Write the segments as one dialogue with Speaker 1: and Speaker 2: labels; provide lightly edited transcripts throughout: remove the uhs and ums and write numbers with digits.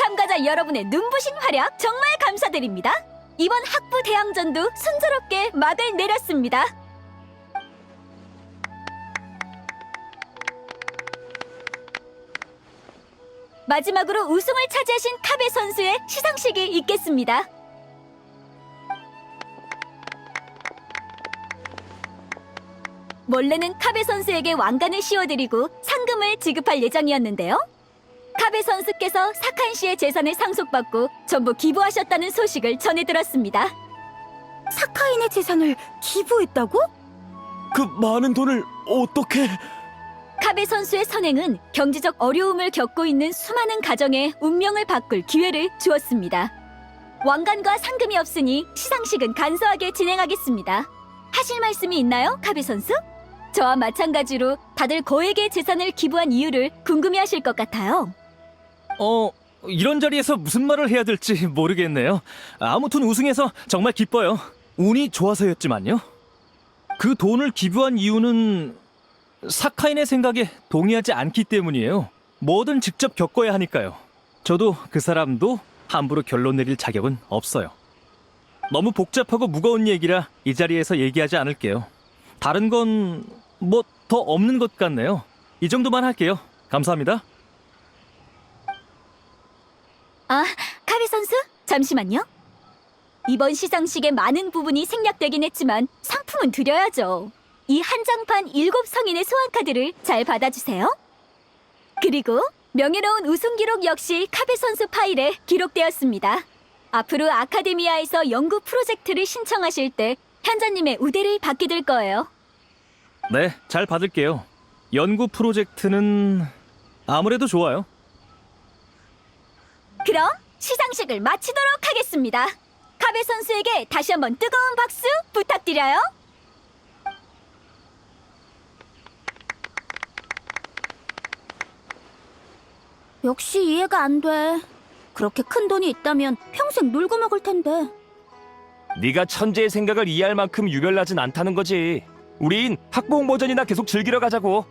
Speaker 1: 참가자 여러분의 눈부신 활약 정말 감사드립니다. 이번 학부 대항전도 순조롭게 막을 내렸습니다. 마지막으로 우승을 차지하신 카베 선수의 시상식이 있겠습니다. 원래는 카베 선수에게 왕관을 씌워드리고 상금을 지급할 예정이었는데요. 카베 선수께서 사카인 씨의 재산을 상속받고 전부 기부하셨다는 소식을 전해 들었습니다.
Speaker 2: 사카인의 재산을 기부했다고?
Speaker 3: 그 많은 돈을 어떻게...
Speaker 1: 카베 선수의 선행은 경제적 어려움을 겪고 있는 수많은 가정의 운명을 바꿀 기회를 주었습니다. 왕관과 상금이 없으니 시상식은 간소하게 진행하겠습니다. 하실 말씀이 있나요, 카베 선수? 저와 마찬가지로 다들 거액의 재산을 기부한 이유를 궁금해하실 것 같아요.
Speaker 3: 이런 자리에서 무슨 말을 해야 될지 모르겠네요. 아무튼 우승해서 정말 기뻐요. 운이 좋아서였지만요. 그 돈을 기부한 이유는 사카인의 생각에 동의하지 않기 때문이에요. 뭐든 직접 겪어야 하니까요. 저도 그 사람도 함부로 결론 내릴 자격은 없어요. 너무 복잡하고 무거운 얘기라 이 자리에서 얘기하지 않을게요. 다른 건 뭐 더 없는 것 같네요. 이 정도만 할게요. 감사합니다.
Speaker 1: 아, 카베 선수? 잠시만요. 이번 시상식의 많은 부분이 생략되긴 했지만 상품은 드려야죠. 이 한정판 7성인의 소환카드를 잘 받아주세요. 그리고 명예로운 우승 기록 역시 카베 선수 파일에 기록되었습니다. 앞으로 아카데미아에서 연구 프로젝트를 신청하실 때 현자님의 우대를 받게 될 거예요.
Speaker 3: 네, 잘 받을게요. 연구 프로젝트는 아무래도 좋아요.
Speaker 1: 그럼 시상식을 마치도록 하겠습니다. 카베 선수에게 다시 한번 뜨거운 박수 부탁드려요.
Speaker 2: 역시 이해가 안 돼. 그렇게 큰 돈이 있다면 평생 놀고 먹을 텐데.
Speaker 4: 네가 천재의 생각을 이해할 만큼 유별나진 않다는 거지. 우린 학부형 버전이나 계속 즐기러 가자고.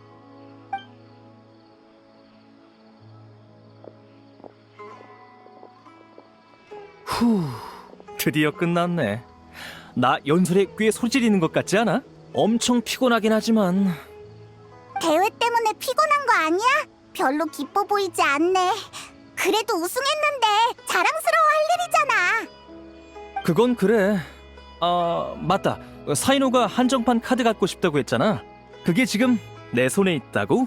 Speaker 3: 드디어 끝났네. 나 연설에 꽤 소질있는 것 같지 않아? 엄청 피곤하긴 하지만
Speaker 5: 대회 때문에 피곤한 거 아니야? 별로 기뻐 보이지 않네. 그래도 우승했는데 자랑스러워할 일이잖아.
Speaker 3: 그건 그래. 맞다. 사이노가 한정판 카드 갖고 싶다고 했잖아. 그게 지금 내 손에 있다고?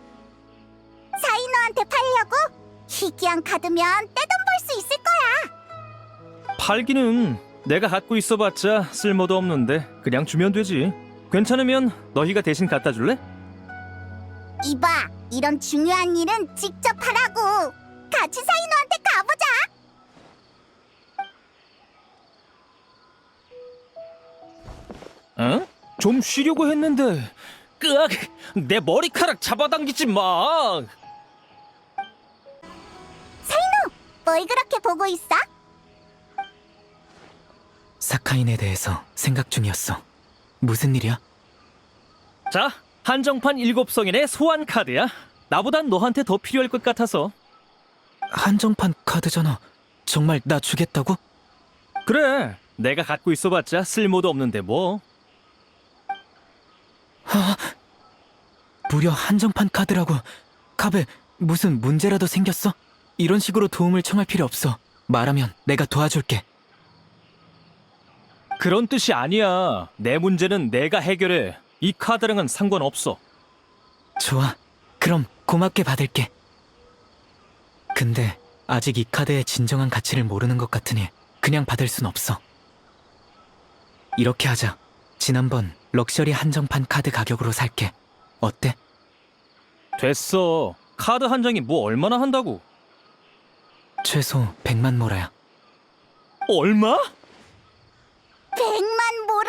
Speaker 5: 사이노한테 팔려고? 희귀한 카드면 떼돈 벌 수 있을 거야.
Speaker 3: 팔기는 내가 갖고 있어봤자 쓸모도 없는데 그냥 주면 되지. 괜찮으면 너희가 대신 갖다 줄래?
Speaker 5: 이봐, 이런 중요한 일은 직접 하라고. 같이 사이노한테 가보자.
Speaker 3: 응? 좀 쉬려고 했는데 끄악! 내 머리카락 잡아당기지 마!
Speaker 5: 뭘 그렇게 보고 있어?
Speaker 6: 사카인에 대해서 생각 중이었어. 무슨 일이야?
Speaker 3: 자, 한정판 7성인의 소환 카드야. 나보단 너한테 더 필요할 것 같아서.
Speaker 6: 한정판 카드잖아. 정말 나 주겠다고?
Speaker 3: 그래, 내가 갖고 있어봤자 쓸모도 없는데 뭐.
Speaker 6: 무려 한정판 카드라고. 카베, 무슨 문제라도 생겼어? 이런 식으로 도움을 청할 필요 없어. 말하면 내가 도와줄게.
Speaker 3: 그런 뜻이 아니야. 내 문제는 내가 해결해. 이 카드랑은 상관없어.
Speaker 6: 좋아. 그럼 고맙게 받을게. 근데 아직 이 카드의 진정한 가치를 모르는 것 같으니 그냥 받을 순 없어. 이렇게 하자. 지난번 럭셔리 한정판 카드 가격으로 살게. 어때?
Speaker 3: 됐어. 카드 한 장이 뭐 얼마나 한다고?
Speaker 6: 최소 100만 모라야.
Speaker 3: 얼마?
Speaker 5: 100만 모라?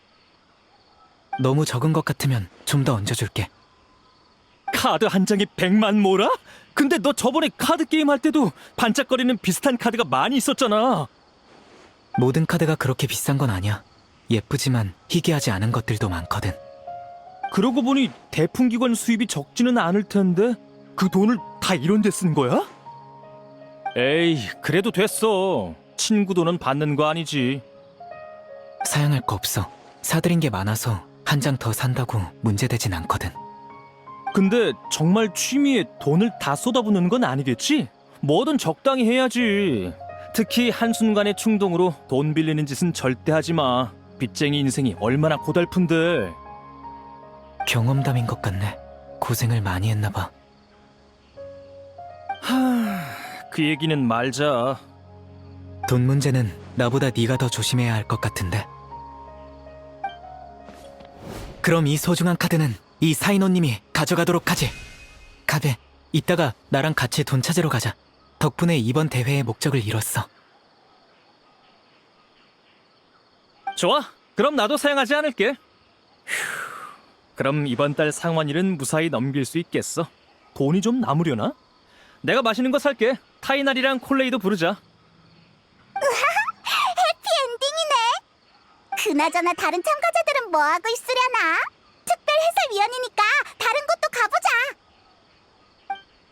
Speaker 6: 너무 적은 것 같으면 좀 더 얹어줄게.
Speaker 3: 카드 한 장이 100만 모라? 근데 너 저번에 카드 게임 할 때도 반짝거리는 비슷한 카드가 많이 있었잖아.
Speaker 6: 모든 카드가 그렇게 비싼 건 아니야. 예쁘지만 희귀하지 않은 것들도 많거든.
Speaker 3: 그러고 보니 대풍기관 수입이 적지는 않을 텐데 그 돈을 다 이런 데 쓴 거야? 에이, 그래도 됐어. 친구 돈은 받는 거 아니지.
Speaker 6: 사양할 거 없어. 사들인 게 많아서 한 장 더 산다고 문제되진 않거든.
Speaker 3: 근데 정말 취미에 돈을 다 쏟아붓는 건 아니겠지? 뭐든 적당히 해야지. 특히 한순간의 충동으로 돈 빌리는 짓은 절대 하지 마. 빚쟁이 인생이 얼마나 고달픈데.
Speaker 6: 경험담인 것 같네. 고생을 많이 했나 봐.
Speaker 3: 그 얘기는 말자.
Speaker 6: 돈 문제는 나보다 네가 더 조심해야 할 것 같은데. 그럼 이 소중한 카드는 이 사인호님이 가져가도록 하지. 카베, 이따가 나랑 같이 돈 찾으러 가자. 덕분에 이번 대회의 목적을 이뤘어.
Speaker 3: 좋아. 그럼 나도 사양하지 않을게. 휴, 그럼 이번 달 상환일은 무사히 넘길 수 있겠어. 돈이 좀 남으려나? 내가 맛있는 거 살게. 타이날이랑 콜레이도 부르자.
Speaker 5: 해피엔딩이네. 그나저나 다른 참가자들은 뭐하고 있으려나? 특별 해설위원이니까